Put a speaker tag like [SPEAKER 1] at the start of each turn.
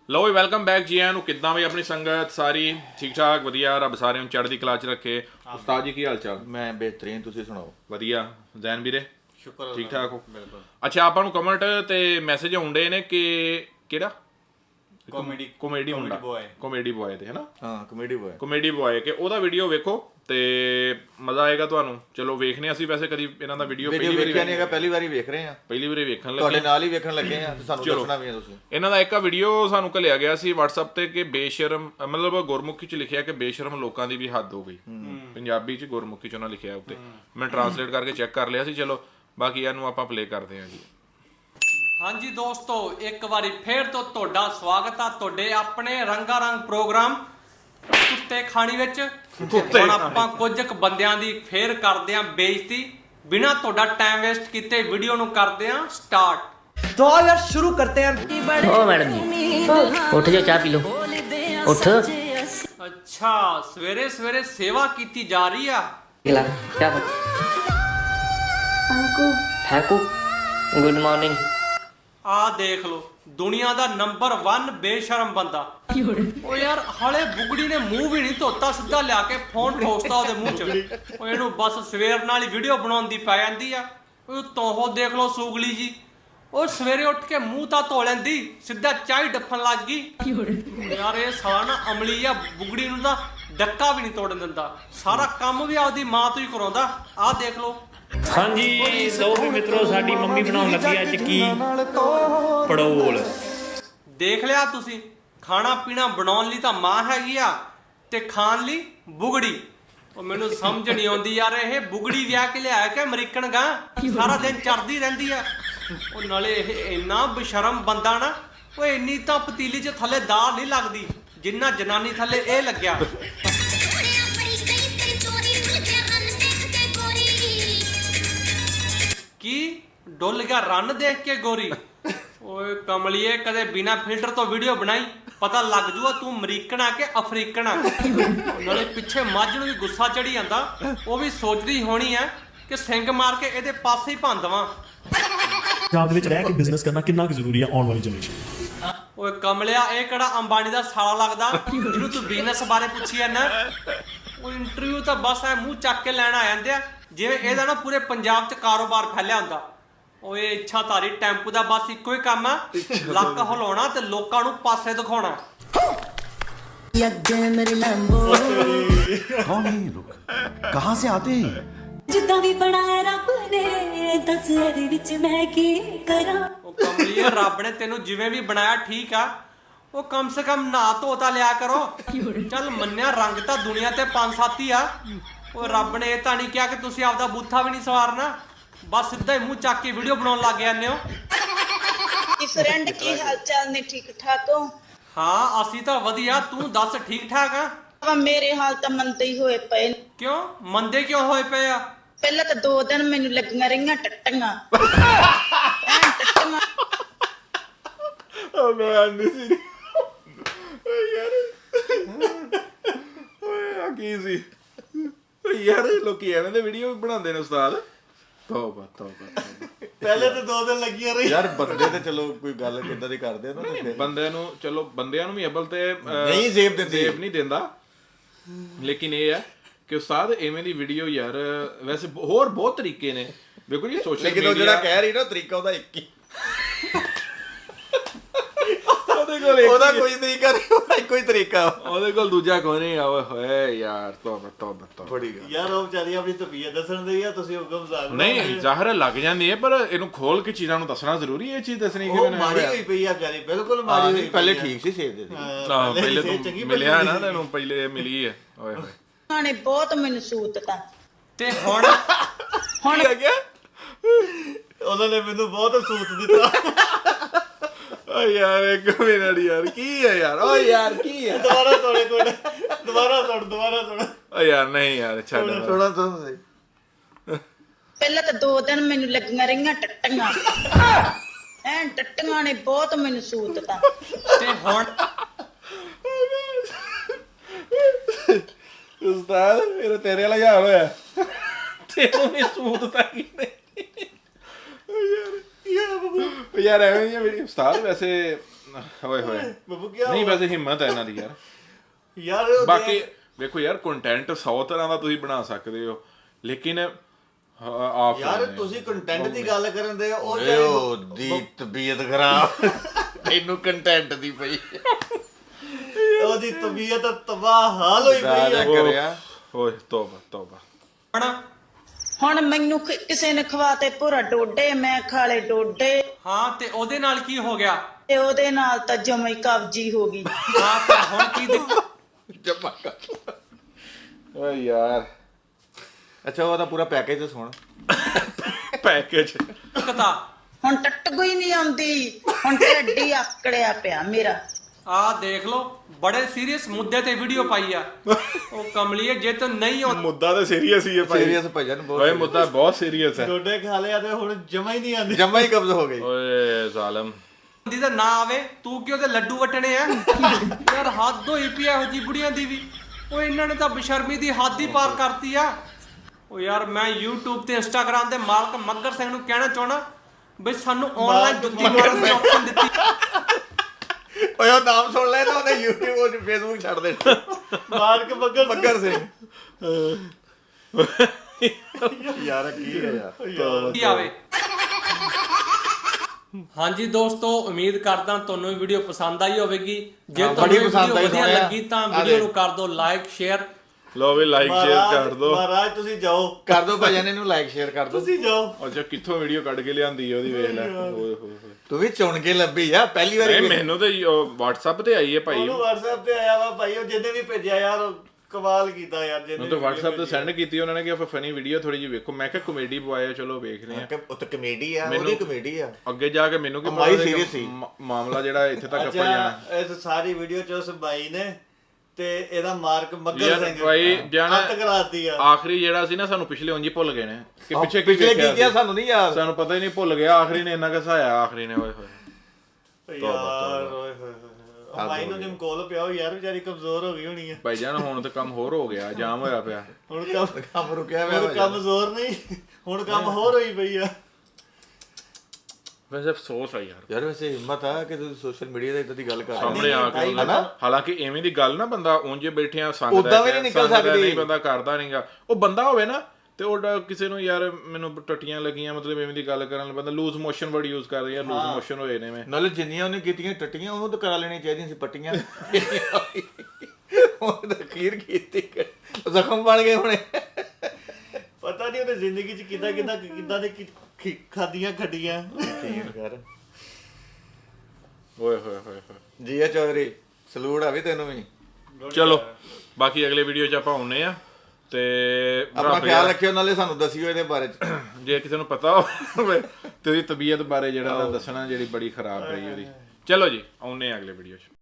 [SPEAKER 1] ਲਓ ਜੀ welcome back ਜੀ ਆਇਆਂ ਨੂੰ। ਕਿੱਦਾਂ ਵੀ ਆਪਣੀ ਸੰਗਤ ਸਾਰੀ ਠੀਕ ਠਾਕ ਵਧੀਆ, ਰੱਬ ਸਾਰਿਆਂ ਨੂੰ ਚੜ੍ਹਦੀ ਕਲਾ 'ਚ ਰੱਖੇ। ਉਸਤਾਦ ਜੀ ਕੀ ਹਾਲ ਚਾਲ?
[SPEAKER 2] ਮੈਂ ਬਿਹਤਰੀਨ, ਤੁਸੀਂ ਸੁਣਾਓ?
[SPEAKER 1] ਵਧੀਆ। ਜ਼ੈਨ ਵੀਰੇ
[SPEAKER 2] ਸ਼ੁਕਰ
[SPEAKER 1] ਠੀਕ ਠਾਕ ਹੋ?
[SPEAKER 2] ਬਿਲਕੁਲ।
[SPEAKER 1] ਅੱਛਾ, ਆਪਾਂ ਨੂੰ ਕਮੈਂਟ ਤੇ ਮੈਸੇਜ ਆਉਂਦੇ ਨੇ ਕਿ ਕਿਹੜਾ ਕਾਮੇਡੀ ਮੁੰਡਾ ਕਾਮੇਡੀ ਬॉय ਤੇ ਹੈ ਨਾ?
[SPEAKER 2] ਹਾਂ, ਕਾਮੇਡੀ
[SPEAKER 1] ਬॉय ਕਿ ਉਹਦਾ ਵੀਡੀਓ ਵੇਖੋ ਤੇ ਮਜ਼ਾ ਆਏਗਾ ਤੁਹਾਨੂੰ। ਚਲੋ ਵੇਖਨੇ ਅਸੀਂ, ਵੈਸੇ ਕਦੀ ਇਹਨਾਂ ਦਾ ਵੀਡੀਓ
[SPEAKER 2] ਵੇਖਿਆ ਨਹੀਂ ਹੈਗਾ, ਪਹਿਲੀ ਵਾਰੀ ਵੇਖ ਰਹੇ ਆ।
[SPEAKER 1] ਪਹਿਲੀ ਵਾਰੀ ਵੇਖਣ ਲੱਗੇ,
[SPEAKER 2] ਤੁਹਾਡੇ ਨਾਲ ਹੀ ਵੇਖਣ ਲੱਗੇ ਆ ਤੇ ਸਾਨੂੰ ਦੱਸਣਾ ਵੀ ਹੈ ਤੁਸੀਂ।
[SPEAKER 1] ਇਹਨਾਂ ਦਾ ਇੱਕ ਵੀਡੀਓ ਸਾਨੂੰ ਘੱਲਿਆ ਗਿਆ ਸੀ WhatsApp ਤੇ ਕਿ ਬੇਸ਼ਰਮ, ਮਤਲਬ ਗੁਰਮੁਖੀ 'ਚ ਲਿਖਿਆ ਕਿ ਬੇਸ਼ਰਮ ਲੋਕਾਂ ਦੀ ਵੀ ਹੱਦ ਹੋ ਗਈ। ਪੰਜਾਬੀ 'ਚ ਗੁਰਮੁਖੀ 'ਚ ਉਹਨਾਂ ਲਿਖਿਆ ਉੱਤੇ। ਮੈਂ ਟਰਾਂਸਲੇਟ ਕਰਕੇ ਚੈੱਕ ਕਰ ਲਿਆ ਸੀ। ਚਲੋ ਬਾਕੀ ਇਹਨੂੰ ਆਪਾਂ ਪਲੇ ਕਰਦੇ ਹਾਂ ਜੀ।
[SPEAKER 3] ਹਾਂਜੀ ਦੋਸਤੋ, ਇੱਕ ਵਾਰੀ ਫੇਰ ਤੋਂ ਤੁਹਾਡਾ ਸਵਾਗਤ ਆ ਤੁਹਾਡੇ ਆਪਣੇ ਰੰਗਾ ਰੰਗ ਪ੍ਰੋਗਰਾਮ ਕੁੱਤੇ ਖਾਣੀ ਵਿੱਚ। ਹੁਣ ਆਪਾਂ ਕੁਝ ਕੁ ਬੰਦਿਆਂ ਦੀ ਫੇਰ ਕਰਦੇ ਆਂ ਬੇਇੱਜ਼ਤੀ। ਬਿਨਾਂ ਤੁਹਾਡਾ ਟਾਈਮ ਵੇਸਟ ਕੀਤੇ ਵੀਡੀਓ ਨੂੰ ਕਰਦੇ ਆਂ ਸਟਾਰਟ।
[SPEAKER 4] तो यार शुरू करते हैं।
[SPEAKER 5] ओ मैडम जी उठ जाओ, चाय पी लो, उठ।
[SPEAKER 3] ਅੱਛਾ, ਸਵੇਰੇ ਸਵੇਰੇ ਸੇਵਾ ਕੀਤੀ ਜਾ ਰਹੀ ਆ।
[SPEAKER 5] गिला क्या हैकू गुड मॉर्निंग।
[SPEAKER 3] ਆਹ ਦੇਖ ਲਓ, ਦੁਨੀਆ ਦਾ ਨੰਬਰ 1 ਬੇਸ਼ਰਮ ਬੰਦਾ। ਓ ਯਾਰ, ਹਲੇ ਬੁਗੜੀ ਨੇ ਮੂੰਹ ਵੀ ਨਹੀਂ ਧੋਤਾ, ਸਿੱਧਾ ਲਿਆ ਕੇ ਫੋਨ ਠੋਸਤਾ ਉਹਦੇ ਮੂੰਹ 'ਚ। ਓ ਇਹਨੂੰ ਬਸ ਸਵੇਰ ਨਾਲ ਹੀ ਵੀਡੀਓ ਬਣਾਉਣ ਦੀ ਪੈ ਜਾਂਦੀ ਆ। ਉਹ ਤੋਹੋ ਦੇਖ ਲਓ ਸੂਗਲੀ ਜੀ, ਉਹ ਸਵੇਰੇ ਉੱਠ ਕੇ ਮੂੰਹ ਤਾਂ ਧੋ ਲੈਂਦੀ, ਸਿੱਧਾ ਚਾਹ ਡੱਫਣ ਲੱਗ ਗਈ। ਯਾਰ ਇਹ ਸਾਲਾ ਨਾ ਅਮਲੀ ਆ, ਬੁਗੜੀ ਨੂੰ ਤਾਂ ਡੱਕਾ ਵੀ ਨਹੀਂ ਤੋੜਨ ਦਿੰਦਾ। ਸਾਰਾ ਕੰਮ ਵੀ ਆਪਦੀ ਮਾਂ ਤੋਂ ਹੀ ਕਰਾਉਂਦਾ। ਆਹ ਦੇਖ ਲਓ।
[SPEAKER 6] ਹਾਂਜੀ ਲੋ ਵੀ ਮਿੱਤਰੋ, ਸਾਡੀ ਮੰਮੀ ਬਣਾਉਣ ਲੱਗੀ ਅੱਜ ਕੀ ਪੜੋਲ।
[SPEAKER 3] ਦੇਖ ਲਿਆ ਤੁਸੀਂ, ਖਾਣਾ ਪੀਣਾ ਬਣਾਉਣ ਲਈ ਤਾਂ ਮਾਂ ਹੈਗੀ ਆ ਤੇ ਖਾਣ ਲਈ ਬੁਗੜੀ। ਉਹ ਮੈਨੂੰ ਸਮਝ ਨਹੀਂ ਆਉਂਦੀ ਯਾਰ, ਇਹ ਬੁਗੜੀ ਵਿਆਹ ਕੇ ਲਿਆਇਆ ਕਿ ਅਮਰੀਕਨ ਗਾਂ ਸਾਰਾ ਦਿਨ ਚਰਦੀ ਰਹਿੰਦੀ ਆ। ਉਹ ਨਾਲੇ ਇਹ ਇੰਨਾ ਬੇਸ਼ਰਮ ਬੰਦਾ ਨਾ, ਉਹ ਇੰਨੀ ਤਾਂ ਪਤੀਲੀ 'ਚ ਥੱਲੇ ਦਾਲ ਨਹੀਂ ਲੱਗਦੀ ਜਿੰਨਾ ਜਨਾਨੀ ਥੱਲੇ ਇਹ ਲੱਗਿਆ। ਕੀ ਡੁੱਲ ਗਿਆ ਰੰਨ ਦੇਖ ਕੇ ਗੋਰੀ? ਓਏ ਕਮਲੀਏ, ਕਦੇ ਬਿਨਾ ਫਿਲਟਰ ਤੋਂ ਵੀਡੀਓ ਬਣਾਈ, ਪਤਾ ਲੱਗ ਜੂਗਾ ਤੂੰ ਅਮਰੀਕਨ ਆ ਕਿ ਅਫਰੀਕਨ ਆ। ਨਾਲੇ ਪਿੱਛੇ ਮੱਝ ਨੂੰ ਵੀ ਗੁੱਸਾ ਚੜੀ ਜਾਂਦਾ, ਉਹ ਵੀ ਸੋਚਦੀ ਹੋਣੀ ਐ ਕਿ ਸਿੰਗ ਮਾਰ ਕੇ ਇਹਦੇ ਪਾਸੇ ਹੀ ਭੰਨ ਦੇਵਾਂ।
[SPEAKER 7] ਪੰਜਾਬ ਦੇ ਵਿੱਚ ਰਹਿ ਕੇ ਬਿਜ਼ਨਸ ਕਰਨਾ ਕਿੰਨਾ ਕੁ ਜ਼ਰੂਰੀ ਹੈ ਆਉਣ ਵਾਲੀ ਜਨਰੇਸ਼ਨ।
[SPEAKER 3] ਓਏ ਕਮਲਿਆ, ਇਹ ਕਿਹੜਾ ਅੰਬਾਨੀ ਦਾ ਸਾਲਾ ਲੱਗਦਾ ਜਿਹਨੂੰ ਤੂੰ ਬਿਜ਼ਨਸ ਬਾਰੇ ਪੁੱਛੀ ਜਾਂਦਾ? ਉਹ ਇੰਟਰਵਿਊ ਤਾਂ ਬਸ ਐ ਮੂੰਹ ਚੱਕ ਕੇ ਲੈਣ ਆ ਜਾਂਦੇ ਆ, ਜਿਵੇਂ ਇਹਦਾ ਨਾ ਪੂਰੇ ਪੰਜਾਬ 'ਚ ਕਾਰੋਬਾਰ ਫੈਲਿਆ ਹੁੰਦਾ। ਓਏ ਇੱਛਾਧਾਰੀ ਟੈਂਪੂ ਦਾ ਬਸ ਇੱਕੋ ਹੀ ਕੰਮ ਆ, ਲੱਕ ਹਿਲਾਉਣਾ ਤੇ ਲੋਕਾਂ ਨੂੰ ਪਾਸੇ ਦਿਖਾਉਣਾ।
[SPEAKER 8] कौन है ये लोग? कहाँ से आते हैं?
[SPEAKER 9] ਜਿੱਦਾਂ ਵੀ ਬਣਾਇਆ ਰੱਬ ਨੇ, ਦੱਸ ਇਹਦੇ ਵਿੱਚ ਮੈਂ ਕੀ ਕਰਾਂ।
[SPEAKER 3] ਉਹ ਕਮਲੀਏ, ਰੱਬ ਨੇ ਤੈਨੂੰ ਜਿਵੇਂ ਵੀ ਬਣਾਇਆ ਠੀਕ ਆ, ਉਹ ਕਮ ਸੇ ਕਮ ਨਹਾ ਧੋ ਤਾਂ ਲਿਆ ਕਰੋ। ਚੱਲ ਮੰਨਿਆ ਰੰਗ ਤਾਂ ਦੁਨੀਆ ਤੇ 5-7 ਹੀ ਆ। ਉਹ ਰੱਬ ਨੇ ਇਹ ਤਾਂ ਨਹੀਂ ਕਿਹਾ ਕਿ ਤੁਸੀਂ ਆਪਦਾ ਬੂਥਾ ਵੀ ਨਹੀਂ ਸਵਾਰਨਾ, ਬਸ ਸਿੱਧਾ ਹੀ ਮੂੰਹ ਚੱਕ ਕੇ ਵੀਡੀਓ ਬਣਾਉਣ ਲੱਗ ਜਾਂਦੇ ਹੋ।
[SPEAKER 10] ਫਰੈਂਡ ਕੀ ਹਾਲ ਚਾਲ ਨੇ? ਠੀਕ ਠਾਕ ਹੋ?
[SPEAKER 3] ਹਾਂ ਅਸੀਂ ਤਾਂ ਵਧੀਆ, ਤੂੰ ਦੱਸ ਠੀਕ ਠਾਕ ਆ?
[SPEAKER 10] ਮੇਰੇ ਹਾਲ ਤਾਂ ਮੰਦੇ ਹੀ ਹੋਏ ਪਏ ਨੇ।
[SPEAKER 3] ਕਿਉਂ ਮੰਦੇ ਕਿਉਂ ਹੋਏ ਪਏ ਆ?
[SPEAKER 10] ਪਹਿਲਾਂ ਤਾਂ 2 ਦਿਨ ਮੈਨੂੰ ਲੱਗੀਆਂ ਰਹੀਆਂ ਟੱਟੀਆਂ।
[SPEAKER 1] ਮੈਂ ਆਂਦੀ ਸੀ ਯਾਰ, ਓਏ ਆ ਕੀ ਸੀ ਯਾਰ? ਲੋਕੀ ਐਵੇਂ ਦੇ ਵੀਡੀਓ ਵੀ ਬਣਾਉਂਦੇ ਨੇ ਉਸਤਾਦ। ਤੋਬਾ ਤੋਬਾ।
[SPEAKER 2] ਪਹਿਲੇ ਤਾਂ 2 ਦਿਨ ਲੱਗੀਆਂ ਰਹੀ ਯਾਰ। ਬੰਦੇ ਤੇ ਚਲੋ ਕੋਈ ਗੱਲ ਕਿੱਦਾਂ ਦੀ ਕਰਦੇ ਆ ਨਾ,
[SPEAKER 1] ਬੰਦਿਆਂ ਨੂੰ, ਚਲੋ ਬੰਦਿਆਂ ਨੂੰ ਵੀ ਅਬਲ ਤੇ
[SPEAKER 2] ਨਹੀਂ ਜ਼ੇਬ
[SPEAKER 1] ਨਹੀਂ ਦਿੰਦਾ, ਲੇਕਿਨ ਇਹ ਹੈ ਕਿ ਉਸਤਾਦ ਐਵੇਂ ਦੀ ਵੀਡੀਓ ਯਾਰ, ਵੈਸੇ ਹੋਰ ਬਹੁਤ ਤਰੀਕੇ ਨੇ। ਵੇਖੋ ਜੀ ਸੋਸ਼ਲ
[SPEAKER 2] ਲੇਕਿਨ ਉਹ ਜਿਹੜਾ ਕਹਿ ਰਹੀ ਨਾ ਤਰੀਕਾ, ਉਹਦਾ ਇੱਕ ਹੀ। ਉਹਦਾ ਕੋਈ ਤਰੀਕਾ ਨਹੀਂ, ਉਹਦਾ ਇੱਕੋ ਹੀ ਤਰੀਕਾ।
[SPEAKER 1] ਉਹਦੇ ਕੋਲ ਦੂਜਾ ਕੋਈ ਨਹੀਂ। ਓਏ ਹੋਏ ਯਾਰ, ਤੋਬਾ ਤੋਬਾ ਤੋਬਾ।
[SPEAKER 2] ਯਾਰ ਉਹ ਵਿਚਾਰੀ ਆਪਣੀ ਤਬੀਅਤ ਦੱਸਣ ਦੀ ਆ, ਤੁਸੀਂ ਹੁਕਮ ਜ਼ਾਹਰ
[SPEAKER 1] ਨਹੀਂ, ਜ਼ਾਹਰ ਲੱਗ ਜਾਂਦੀ ਹੈ, ਪਰ ਇਹਨੂੰ ਖੋਲ ਕੇ ਚੀਜ਼ਾਂ ਨੂੰ ਦੱਸਣਾ ਜ਼ਰੂਰੀ ਹੈ। ਇਹ ਚੀਜ਼ ਦੱਸਣੀ ਕਿ
[SPEAKER 2] ਉਹ ਮਾੜੀ ਹੋਈ ਪਈ ਆ ਵਿਚਾਰੀ, ਬਿਲਕੁਲ ਮਾੜੀ ਹੋਈ। ਪਹਿਲੇ ਠੀਕ ਸੀ ਸੇਬ ਦੇ।
[SPEAKER 1] ਪਹਿਲੇ ਤੂੰ ਮਿਲਿਆ ਨਾ ਤੈਨੂੰ, ਪਹਿਲੇ ਮਿਲੀ ਹੈ। ਓਏ ਹੋਏ,
[SPEAKER 10] ਖਾਣੇ ਬਹੁਤ ਮੈਨੂੰ ਸੂਤ ਤਾਂ।
[SPEAKER 3] ਤੇ ਹੁਣ
[SPEAKER 1] ਕੀ ਗਿਆ?
[SPEAKER 2] ਉਹਨਾਂ ਨੇ ਮੈਨੂੰ ਬਹੁਤ ਸੂਤ ਦਿੱਤਾ।
[SPEAKER 1] ਓ ਯਾਰ ਇੱਕ ਮਿੰਟ ਯਾਰ, ਕੀ ਹੈ ਯਾਰ? ਓ ਯਾਰ ਕੀ ਹੈ?
[SPEAKER 2] ਦੁਬਾਰਾ ਸੁਣ ਕੋਈ, ਦੁਬਾਰਾ ਸੁਣ।
[SPEAKER 1] ਓ ਯਾਰ ਨਹੀਂ ਯਾਰ, ਛੱਡ।
[SPEAKER 2] ਸੁਣਾ ਤੁਸੀਂ।
[SPEAKER 10] ਪਹਿਲਾਂ ਤਾਂ 2 ਦਿਨ ਮੈਨੂੰ ਲੱਗੀਆਂ ਰਹੀਆਂ ਟੱਟੀਆਂ। ਟੱਟੀਆਂ ਨੇ ਬਹੁਤ ਮੈਨੂੰ ਸੂਤ ਤਾਂ।
[SPEAKER 3] ਤੇ ਹੁਣ
[SPEAKER 1] ਉਸਤਾਦ ਮੇਰਾ ਤੇਰੇ ਵਾਲਾ ਹਾਲ ਹੋਇਆ, ਤੈਨੂੰ ਵੀ ਸੂਤ ਤਾਂ ਕੀ ਨਹੀਂ ਯਾਰ। ਯਾਰ ਐਵੇਂ ਦੀਆਂ ਵੀਡੀਓ ਉਸਤਾਦ ਵੈਸੇ ਓਏ ਹੋਏ
[SPEAKER 2] ਬੱਬੂ ਕੀ
[SPEAKER 1] ਨਹੀਂ ਵੈਸੇ ਹਿੰਮਤ ਹੈ ਇਹਨਾਂ ਦੀ ਯਾਰ
[SPEAKER 2] ਯਾਰ
[SPEAKER 1] ਬਾਕੀ ਵੇਖੋ ਯਾਰ ਕੰਟੈਂਟ 100 ਤਰ੍ਹਾਂ ਦਾ ਤੁਸੀਂ ਬਣਾ ਸਕਦੇ ਹੋ ਲੇਕਿਨ ਆਫ
[SPEAKER 2] ਯਾਰ ਤੁਸੀਂ ਕੰਟੈਂਟ ਦੀ ਗੱਲ ਕਰਨ ਦੇ ਉਹ
[SPEAKER 8] ਦੀ ਤਬੀਅਤ ਖਰਾਬ ਇਹਨੂੰ ਕੰਟੈਂਟ ਦੀ ਪਈ
[SPEAKER 2] ਉਹਦੀ ਤਬੀਅਤ ਤਬਾਹ ਹਾਲ ਹੋਈ ਪਈ ਆ
[SPEAKER 8] ਕਰਿਆ
[SPEAKER 1] ਓਏ ਤੋਬਾ
[SPEAKER 10] ਹੁਣ ਮੈਨੂੰ ਕਿਸੇ ਨੇ ਖਵਾਤੇ ਭੁਰਾ ਡੋਡੇ ਮੈਂ ਖਾਲੇ ਡੋਡੇ
[SPEAKER 3] ਹਾਂ ਤੇ ਉਹਦੇ ਨਾਲ ਕੀ ਹੋ ਗਿਆ
[SPEAKER 10] ਤੇ ਉਹਦੇ ਨਾਲ ਤਾਂ ਜਮਾ ਹੀ ਕਬਜੀ ਹੋ ਗਈ
[SPEAKER 3] ਹਾਂ ਫਿਰ ਹੁਣ ਕੀ
[SPEAKER 8] ਜਮਾ ਕਰ
[SPEAKER 1] ਓਏ ਯਾਰ
[SPEAKER 2] ਅੱਛਾ ਉਹਦਾ ਪੂਰਾ ਪੈਕੇਜ ਸੁਣ
[SPEAKER 1] ਪੈਕੇਜ
[SPEAKER 3] ਦਿੱਕਤ ਆ
[SPEAKER 10] ਹੁਣ ਟੱਟਗੂ ਹੀ ਨਹੀਂ ਆਉਂਦੀ ਹੁਣ ਢੱਡੀ ਆਕੜਿਆ ਪਿਆ ਮੇਰਾ
[SPEAKER 3] ਆਹ ਦੇਖ ਲਓ ਬੜੇ ਸੀਰੀਅਸ ਮੁੱਦੇ ਤੇ ਵੀਡੀਓ ਪਾਈ ਆ ਉਹ ਕਮਲੀਏ ਜੇ ਤੂੰ ਨਹੀਂ
[SPEAKER 1] ਮੁੱਦਾ ਤਾਂ ਸੀਰੀਅਸ ਹੀ ਹੈ ਭਾਈ
[SPEAKER 2] ਸੀਰੀਅਸ ਭਜਨ ਬਹੁਤ
[SPEAKER 1] ਓਏ ਮੁੱਦਾ ਬਹੁਤ ਸੀਰੀਅਸ ਹੈ
[SPEAKER 2] ਡੋਡੇ ਖਾ ਲਿਆ ਤੇ ਹੁਣ ਜਮਾ ਹੀ ਨਹੀਂ ਆਉਂਦੀ ਜਮਾ ਹੀ ਕਬਜ਼ ਹੋ ਗਈ
[SPEAKER 1] ਓਏ ਜ਼ਾਲਮ
[SPEAKER 3] ਦੀ ਦਾ ਨਾ ਆਵੇ ਤੂੰ ਕਿਉਂ ਤੇ ਲੱਡੂ ਵਟਣੇ ਆ ਯਾਰ ਹੱਦ ਹੋਈ ਪਈ ਇਹੋ ਜੀ ਬੁੜੀਆਂ ਦੀ ਵੀ ਓਏ ਇਹਨਾਂ ਨੇ ਤਾਂ ਬੇਸ਼ਰਮੀ ਦੀ ਹੱਦ ਹੀ ਪਾਰ ਕਰਤੀ ਆ ਓ ਯਾਰ ਮੈਂ YouTube ਤੇ Instagram ਦੇ ਮਾਲਕ ਮੱਗਰ ਸਿੰਘ ਨੂੰ ਕਹਿਣਾ ਚਾਹਣਾ ਬਈ ਸਾਨੂੰ ਆਨਲਾਈਨ ਜੁੱਤੀ ਮਾਰਨ ਦੀ ਆਪਸ਼ਨ ਦਿੱਤੀ
[SPEAKER 2] ਓਏ ਉਹ ਨਾਮ ਸੁਣ ਲੈ ਨਾ ਉਹਨੇ YouTube ਉਹ Facebook ਛੱਡ ਦੇ ਮਾਰਕ ਮੱਗਰ ਸਿੰਘ ਯਾਰ ਕੀ ਹੈ ਯਾਰ
[SPEAKER 3] ਕੀ ਆਵੇ ਹਾਂਜੀ ਦੋਸਤੋ ਉਮੀਦ ਕਰਦਾ ਤੁਹਾਨੂੰ ਇਹ ਵੀਡੀਓ ਪਸੰਦ ਆਈ ਹੋਵੇਗੀ ਜੇ ਤੁਹਾਨੂੰ ਇਹ ਵੀਡੀਓ ਵਧੀਆ ਲੱਗੀ ਤਾਂ ਵੀਡੀਓ ਨੂੰ ਕਰ ਦਿਓ ਲਾਈਕ ਸ਼ੇਅਰ
[SPEAKER 1] ਲੋ ਵੀ ਲਾਈਕ ਸ਼ੇਅਰ ਕਰ ਦੋ
[SPEAKER 2] ਮਹਾਰਾਜ ਤੁਸੀਂ ਜਾਓ ਕਰ ਦਿਓ ਭਜਨ ਇਹਨੂੰ ਲਾਈਕ ਸ਼ੇਅਰ ਕਰ ਦਿਓ ਤੁਸੀਂ ਜਾਓ
[SPEAKER 1] ਅੱਛਾ ਕਿੱਥੋਂ ਵੀਡੀਓ ਕੱਢ ਕੇ ਲਿਆਂਦੀ ਉਹਦੀ ਵੇਖ ਲੈ ਓਏ ਹੋਏ
[SPEAKER 2] ਤੂੰ ਵੀ ਚੁਣ ਕੇ ਲੱਭੀ ਆ ਪਹਿਲੀ ਵਾਰੀ
[SPEAKER 1] ਨਹੀਂ ਮੈਨੂੰ ਤੇ WhatsApp ਤੇ ਆਈ ਹੈ ਭਾਈ
[SPEAKER 2] ਉਹਨੂੰ WhatsApp ਤੇ ਆਇਆ ਵਾ ਭਾਈ ਉਹ ਜਿਹਨੇ ਵੀ ਭੇਜਿਆ ਯਾਰ ਕਮਾਲ ਕੀਤਾ ਯਾਰ ਜਿਹਨੇ
[SPEAKER 1] ਮੈਨੂੰ ਤਾਂ WhatsApp ਤੇ ਸੈਂਡ ਕੀਤੀ ਉਹਨਾਂ ਨੇ ਕਿ ਫਨੀ ਵੀਡੀਓ ਥੋੜੀ ਜਿਹੀ ਵੇਖੋ ਮੈਂ ਕਿਹਾ ਕਮੇਡੀ ਬੁਆਏ ਚਲੋ ਵੇਖਦੇ ਆ
[SPEAKER 2] ਉਹ ਤਾਂ ਕਮੇਡੀ ਆ ਉਹਦੀ ਕਮੇਡੀ ਆ
[SPEAKER 1] ਅੱਗੇ ਜਾ ਕੇ ਮੈਨੂੰ ਕੀ ਮਾਮਲਾ ਜਿਹੜਾ ਇੱਥੇ ਤੱਕ ਅੱਪੜ ਜਾਣਾ
[SPEAKER 2] ਇਸ ਸਾਰੀ ਵੀਡੀਓ ਚ ਉਸ ਬਾਈ ਨੇ ਤੇ ਇਹਦਾ ਮਾਰਕ ਮੱਗਰ ਸਿੰਘ
[SPEAKER 1] ਭਾਈ ਜਾਣਾ
[SPEAKER 2] ਹੱਥ ਕਰਾਤੀ ਆ
[SPEAKER 1] ਆਖਰੀ ਜਿਹੜਾ ਸੀ ਨਾ ਸਾਨੂੰ ਪਿਛਲੇ ਉਂਝ ਹੀ ਭੁੱਲ ਗਏ ਨੇ ਕਿ ਪਿੱਛੇ ਕੀ
[SPEAKER 2] ਵੇਖਿਆ ਸਾਨੂੰ ਨਹੀਂ ਯਾਦ
[SPEAKER 1] ਸਾਨੂੰ ਪਤਾ ਹੀ ਨਹੀਂ ਭੁੱਲ ਗਿਆ ਆਖਰੀ ਨੇ ਇੰਨਾ ਕਸਾਇਆ ਆਖਰੀ ਨੇ ਓਏ ਹੋਏ
[SPEAKER 2] ਯਾਰ ਓਏ ਹੋਏ ਭਾਈ ਨੂੰ ਜਿਮ ਕੋਲ ਪਿਆ ਯਾਰ ਵਿਚਾਰੀ ਕਮਜ਼ੋਰ ਹੋ ਗਈ ਹੋਣੀ ਆ
[SPEAKER 1] ਭਾਈ ਜਾਨ ਹੁਣ ਤਾਂ ਕੰਮ ਹੋਰ ਹੋ ਗਿਆ ਜਾਮ ਹੋਇਆ ਪਿਆ
[SPEAKER 2] ਹੁਣ ਕੰਮ ਰੁਕਿਆ ਹੋਇਆ ਹੁਣ ਕੰਮ ਜ਼ੋਰ ਨਹੀਂ ਹੁਣ ਕੰਮ ਹੋਰ ਹੋਈ ਪਈ ਆ
[SPEAKER 1] ਵੈਸੇ ਅਫਸੋਸ ਆ
[SPEAKER 2] ਯਾਰ ਵੈਸੇ ਹਿੰਮਤ ਆ ਕਿ ਤੁਸੀਂ ਸੋਸ਼ਲ ਮੀਡੀਆ ਤੇ ਇਦਾਂ ਦੀ ਗੱਲ ਕਰ
[SPEAKER 1] ਸਾਹਮਣੇ ਆ ਕੇ ਹਾਲਾਂਕਿ ਐਵੇਂ ਦੀ ਗੱਲ ਨਾ ਬੰਦਾ ਉਂਝ ਬੈਠਿਆਂ ਸੰਗਦਾ
[SPEAKER 2] ਉਦਾਂ ਵੀ ਨਹੀਂ ਨਿਕਲ ਸਕਦੀ
[SPEAKER 1] ਨਹੀਂ ਬੰਦਾ ਕਰਦਾ ਨਹੀਂਗਾ ਉਹ ਬੰਦਾ ਹੋਵੇ ਨਾ ਤੇ ਉਹ ਕਿਸੇ ਨੂੰ ਯਾਰ ਮੈਨੂੰ ਟੱਟੀਆਂ ਲੱਗੀਆਂ ਮਤਲਬ ਐਵੇਂ ਦੀ ਗੱਲ ਕਰਨ ਬੰਦਾ ਲੂਜ਼ ਮੋਸ਼ਨ ਵਰਡ ਯੂਜ਼ ਕਰ ਰਿਹਾ ਲੂਜ਼ ਮੋਸ਼ਨ ਹੋਏ ਨੇ ਮੈਂ
[SPEAKER 2] ਨਾਲੇ ਜਿੰਨੀਆਂ ਉਹਨੇ ਕੀਤੀਆਂ ਟੱਟੀਆਂ ਉਹਨੂੰ ਤਾਂ ਕਰਾ ਲੈਣੀਆਂ ਚਾਹੀਦੀਆਂ ਸੀ ਪੱਟੀਆਂ ਉਹ ਤਾਂ ਖੀਰ ਕੀਤੀ ਜ਼ਖਮ ਬਣ ਗਏ ਹੁਣੇ ਪਤਾ ਨਹੀਂ ਉਹਨੇ ਜ਼ਿੰਦਗੀ 'ਚ ਕਿੱਦਾਂ ਦੇ ਖਾਦੀਆਂ ਖੱਡੀਆਂ ਕਰ
[SPEAKER 1] ਓਏ ਹੋਏ ਹੋਏ
[SPEAKER 2] ਜੀਆ ਚੌਧਰੀ ਸਲੂਟ ਆ ਵੀ ਤੈਨੂੰ ਵੀ
[SPEAKER 1] ਚਲੋ ਬਾਕੀ ਅਗਲੇ ਵੀਡੀਓ 'ਚ ਆਪਾਂ ਆਉਨੇ ਆ ਤੇ
[SPEAKER 2] ਆਪਣਾ ਖਿਆਲ ਰੱਖਿਓ ਨਾਲੇ ਸਾਨੂੰ ਦੱਸਿਓ ਇਹਦੇ ਬਾਰੇ 'ਚ
[SPEAKER 1] ਜੇ ਕਿਸੇ ਨੂੰ ਪਤਾ ਹੋਵੇ ਤੇ ਉਹਦੀ ਤਬੀਅਤ ਬਾਰੇ ਜਿਹੜਾ ਦੱਸਣਾ ਜਿਹੜੀ ਬੜੀ ਖਰਾਬ ਰਹੀ ਉਹਦੀ ਚਲੋ ਜੀ ਆਉਨੇ ਆ ਅਗਲੇ ਵੀਡੀਓ 'ਚ